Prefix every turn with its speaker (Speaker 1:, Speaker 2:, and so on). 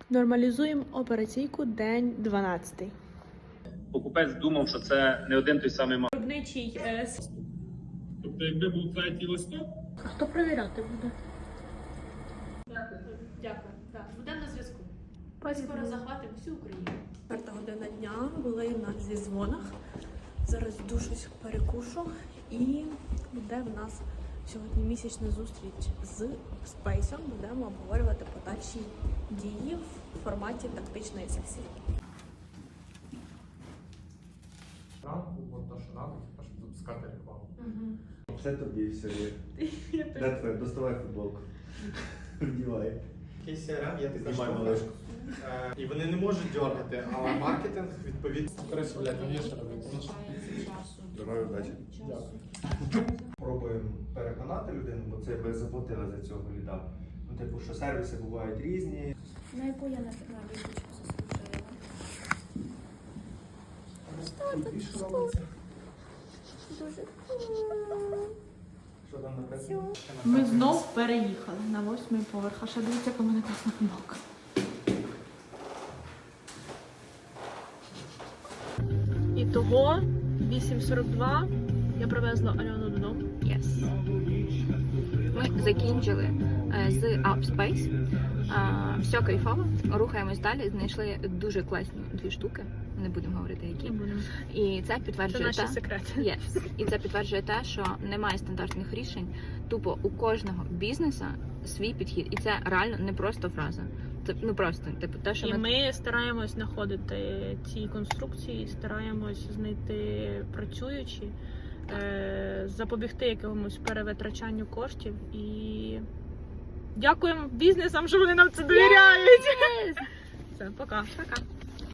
Speaker 1: Нормалізуємо операційку день 12.
Speaker 2: Покупець думав, що це не один той самий магазин.
Speaker 1: Виробничий.
Speaker 3: Тобто, якби був третій листок,
Speaker 1: А хто перевіряти буде? Дякую. Так, будемо на зв'язку. Скоро захватимо всю Україну. 4 година дня, були на зі дзвонах. Зараз душусь, перекушу і буде в нас сьогодні місячна зустріч з Спейсом. Будемо обговорювати подальші дії в форматі тактичної сесії.
Speaker 3: ранку, от то, що ранку, щоб запускати рекламу.
Speaker 4: Все тобі все є. Де твоє? Доставай футболку. Вдівай.
Speaker 5: Якийсь CRM, я така
Speaker 4: Знімай
Speaker 5: штука.
Speaker 4: малишку.
Speaker 5: І вони не можуть дергати, але маркетинг відповідно.
Speaker 3: Коротше, блядь, там є що робити.
Speaker 4: Здоров'я, удачі. Пробуємо переконати людину, бо це ви заплатили за цього ліда. Ну, типу, що сервіси бувають різні.
Speaker 6: На яку я на відпочку заслужила? Дуже
Speaker 4: Що там написано?
Speaker 1: Ми знов переїхали на 8-й поверх. А ще дивіться, яка в мене класна футболка. Ітого 8:42. Я привезла Альону додому.
Speaker 7: Yes. Ми закінчили з Upspace. Все кайфово. Рухаємось далі. Знайшли дуже класні 2 штуки. Не будемо говорити, які. І це
Speaker 1: Це
Speaker 7: підтверджує
Speaker 1: наші секрети.
Speaker 7: Yes. І це підтверджує те, що немає стандартних рішень. Тупо у кожного бізнесу свій підхід. І це реально не просто фраза. Це просто типу те, що
Speaker 1: І ми стараємось знаходити ці конструкції, стараємось знайти працюючі, запобігти якомусь перевитрачанню коштів і дякуємо бізнесам, що вони нам це довіряють. Все, пока.
Speaker 7: Пока.